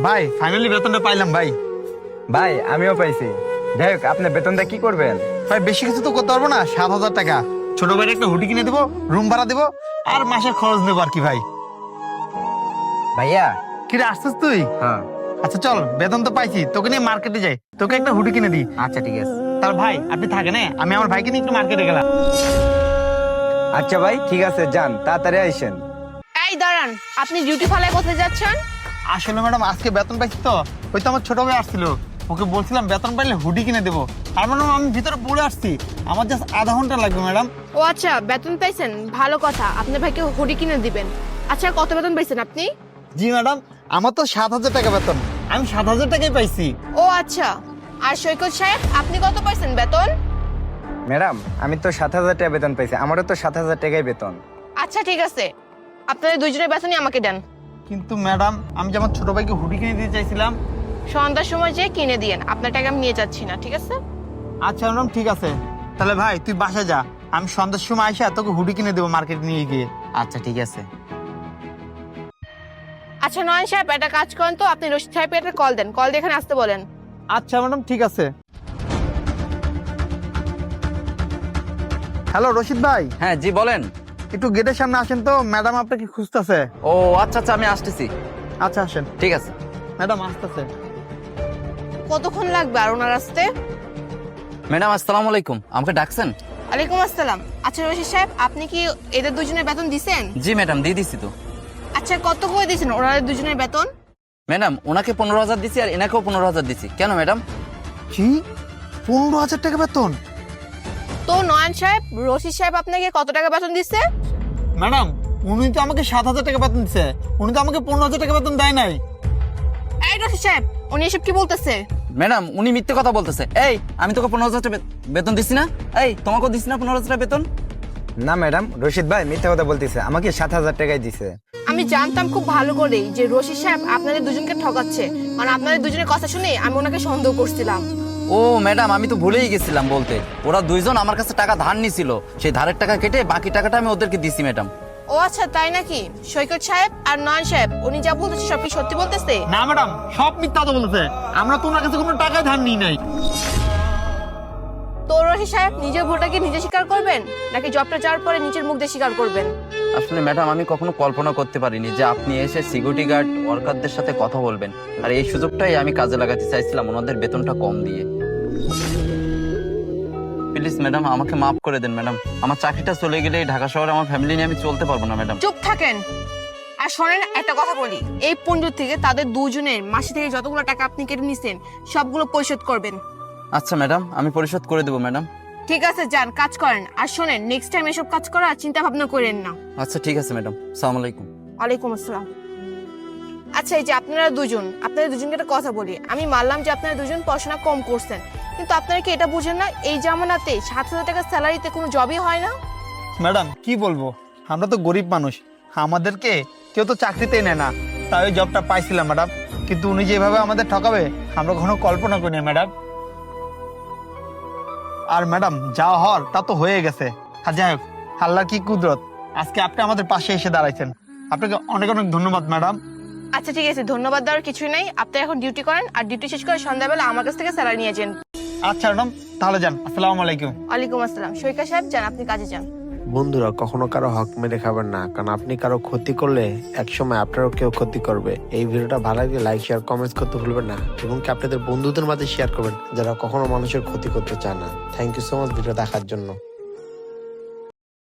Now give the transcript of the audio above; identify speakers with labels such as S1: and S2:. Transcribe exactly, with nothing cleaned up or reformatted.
S1: ভাই ফাইনালি বেতনটা পাইলাম ভাই।
S2: ভাই আমিও পাইছি। যাই হোক, আপনি বেতনটা কি করবেন?
S1: ভাই বেশি কিছু তো করতে পারবো না, সাত হাজার টাকা ছোট ভাইয়ের একটা হুডি কিনে দেবো, রুম ভাড়া দেবো আর মাসের খরচ নেবো আর কি। ভাই
S2: ভাইয়া।
S1: কিরে আসছিস তুই?
S2: হ্যাঁ।
S1: আচ্ছা চল, বেতন তো পাইছি, তোকে নিয়ে মার্কেটে যাই, তোকে একটা হুডি কিনে দিই।
S2: আচ্ছা ঠিক আছে।
S1: তার ভাই আপনি থাকেন, হ্যাঁ আমি আমার ভাইকে নিয়ে একটু মার্কেটে গেলাম।
S2: আচ্ছা ভাই ঠিক আছে, যান তাড়াতাড়ি আইসেন।
S3: এই দাঁড়ান, আপনি ডিউটি ফালায় কোথায় যাচ্ছেন?
S1: আসলে ম্যাডাম আজকে বেতন পাইছি তো, ওই তো আমার ছোট ভাই আসছিল, ওকে বলছিলাম বেতন পাইলে হুডি কিনে দেবো। আর ম্যাডাম আমি ভিতরে পড়ে আসছি, আমার জাস্ট আধা ঘন্টা লাগবে ম্যাডাম।
S3: ও আচ্ছা, বেতন পাইছেন, ভালো কথা। আপনার ভাইকে হুডি কিনে দিবেন। আচ্ছা কত বেতন পাইছেন আপনি?
S1: জি ম্যাডাম, আমার তো সাত হাজার টাকা বেতন, আমি সাত হাজার টাকাই পাইছি।
S3: ও আচ্ছা, আর সৈকত সাহেব আপনি কত পাইছেন বেতন?
S2: ম্যাডাম আমি তো সাত হাজার টাকা বেতন পাইছি, আমারও তো সাত হাজার টাকাই বেতন।
S3: আচ্ছা ঠিক আছে, আপনাদের দুইজনের বেতনই আমাকে দেন।
S1: কিন্তু ম্যাডাম আমি যে আমার ছোট ভাইকে হুডি কিনে দিতে চাইছিলাম।
S3: সন্ধ্যার সময় যে কিনে দিয়েন, আপনার টাকা আমি নিয়ে যাচ্ছি না, ঠিক আছে?
S1: আচ্ছা ম্যাডাম ঠিক আছে, তাহলে ভাই তুই বাসায় যা, আমি সন্ধ্যার সময় আইসা তোকে হুডি কিনে দেবো মার্কেট নিয়ে গিয়ে।
S2: আচ্ছা ঠিক আছে।
S3: আচ্ছা নয়ন সাহেব একটা কাজ করেন তো, আপনি রশিদ সাহেবকে একটা কল দেন, কল দিয়ে এখানে আসতে বলেন।
S1: আচ্ছা ম্যাডাম ঠিক আছে। হ্যালো রশিদ ভাই।
S4: হ্যাঁ জি বলেন।
S1: একটু গেটের সামনে আসেন তো, ম্যাডাম আপনাকে খুঁজতেছে।
S4: ও আচ্ছা আচ্ছা, আমি আসতেছি।
S1: আচ্ছা আসেন।
S4: ঠিক আছে
S1: ম্যাডাম আসতেছে।
S3: কতক্ষণ লাগবে আর ওনার আসতে?
S4: ম্যাডাম, আসসালামু আলাইকুম। আমাকে ডাকছেন?
S3: ওয়ালাইকুম আসসালাম। আচ্ছা রশিদ সাহেব, আপনি কি এদের দুজনের বেতন দিছেন?
S4: জি ম্যাডাম, দিয়ে দিছি তো।
S3: আচ্ছা কত করে দিয়েছেন ওনাদের দুজনের বেতন?
S4: ম্যাডাম ওনাকে পনেরো হাজার দিছি আর এনাকেও পনেরো হাজার দিছি। কেন ম্যাডাম?
S1: কি পনেরো হাজার টাকা বেতন?
S3: তো নয়ন সাহেব, রশিদ সাহেব আপনাকে কত টাকা বেতন দিচ্ছে?
S1: ম্যাডাম উনি তো আমাকে সাত হাজার টাকা বেতন দিচ্ছে, উনি তো আমাকে পনেরো হাজার টাকা বেতন দেয় নাই।
S3: এই রশিদ সাহেব, উনি এসব কি বলতেছে?
S4: ম্যাডাম উনি মিথ্যে কথা বলতেছে। এই আমি তোকে পনেরো হাজার টাকা বে- বেতন দিছি না? এই তোমাকেও দিছি না পনেরো হাজার টাকা বেতন?
S2: না ম্যাডাম, রশিদ ভাই মিথ্যা কথা বলতেছে, আমাকে সাত হাজার টাকাই দিছে।
S3: আমি জানতাম খুব ভালো করেই যে রশিদ সাহেব আপনাদের দুজনকে ঠকাচ্ছে, মানে আপনাদের দুজনের কথা শুনে আমি ওনাকে সন্দেহ করছিলাম।
S4: ও ম্যাডাম, আমি তো ভুলেই গেছিলাম বলতে। ওরা দুইজন আমার কাছে টাকা ধার নিছিল, সেই ধারের টাকা কেটে বাকি টাকাটা আমি ওদেরকে দিছি ম্যাডাম।
S3: ও আচ্ছা তাই নাকি? সৈকত সাহেব আর নয়ন সাহেব উনি যা বলতেছে সব কি সত্যি বলতেছে?
S1: না ম্যাডাম, সব মিথ্যা কথা বলতেছে, আমরা তো ওনার কাছে কোনো টাকা ধার নিই নাই।
S3: তো রশিদ সাহেব নিজের ভুলটা কি নিজে স্বীকার করবেন, নাকি জবটা যাওয়ার পরে নিজের মুখ দিয়ে স্বীকার করবেন?
S4: আসলে ম্যাডাম আমি কখনো কল্পনা করতে পারিনি যে আপনি এসে সিকিউরিটি গার্ড ওয়ার্কারদের সাথে কথা বলবেন, আর এই সুযোগটাই আমি কাজে লাগাতে চাইছিলাম ওনাদের বেতনটা কম দিয়ে। প্লিজ ম্যাডাম আমাকে মাফ করে দেন ম্যাডাম। আমার চাকরিটা চলে গেলে এই ঢাকা শহরে আমার ফ্যামিলি নিয়ে আমি চলতে পারবো না ম্যাডাম।
S3: চুপ থাকেন। আর শোনেন একটা কথা বলি, এই পঞ্জুর থেকে তাদের দুজনের মাসে থেকে যতগুলো টাকা আপনি কেটে নিছেন সবগুলো পরিশোধ করবেন।
S4: আচ্ছা ম্যাডাম, আমি পরিশোধ করে দেবো ম্যাডাম।
S3: ঠিক আছে যান কাজ করেন। আর শোনেন নেক্সট টাইম এসব কাজ করার চিন্তা ভাবনা করেন না।
S4: আচ্ছা ঠিক আছে ম্যাডাম, সালাম আলাইকুম।
S3: ওয়ালাইকুম আসসালাম। আচ্ছা এই যে আপনারা দুজন, আপনাদের দুজনকে একটা কথা বলি, আমি মানলাম যে আপনারা দুজন পড়াশোনা কম করছেন, কিন্তু আপনারা কি এটা বুঝেন না এই জামানাতে সাত হাজার টাকার স্যালারিতে কোনো জবই হয় না?
S1: ম্যাডাম কি বলবো, আমরা তো গরিব মানুষ, আমাদেরকে কেউ তো চাকরিতেই নেয় না, তাই ওই জবটা পাইছিলাম ম্যাডাম। কিন্তু উনি যেভাবে আমাদের ঠকাবে আমরা কখনো কল্পনা করি না ম্যাডাম। আর ম্যাডাম যা হওয়ার তা তো হয়ে গেছে। আর যাই হোক, আল্লাহর কি কুদরত, আজকে আপনি আমাদের পাশে এসে দাঁড়াইছেন, আপনাকে অনেক অনেক ধন্যবাদ ম্যাডাম।
S3: আচ্ছা ঠিক আছে, ধন্যবাদ দেওয়ার কিছুই নেই। আপনি এখন ডিউটি করেন, আর ডিউটি শেষ করে সন্ধ্যাবেলা আমার কাছ থেকে স্যালারি নিয়ে যান।
S1: আচ্ছা ম্যাডাম তাহলে যান, আসসালামু আলাইকুম।
S3: ওয়ালাইকুম আসসালাম। সৈকত সাহেব যান, আপনি কাজে যান।
S5: বন্ধুরা কখনো কারো হক মেরে খাবেন না, কারণ আপনি কারো ক্ষতি করলে একসময় আপনারও কেউ ক্ষতি করবে। এই ভিডিওটা ভালো লাগলে লাইক শেয়ার কমেন্টস করতে ভুলবেন না, এবং কি আপনাদের বন্ধুদের মাঝে শেয়ার করবেন যারা কখনো মানুষের ক্ষতি করতে চায় না। Thank you so much video দেখার জন্য।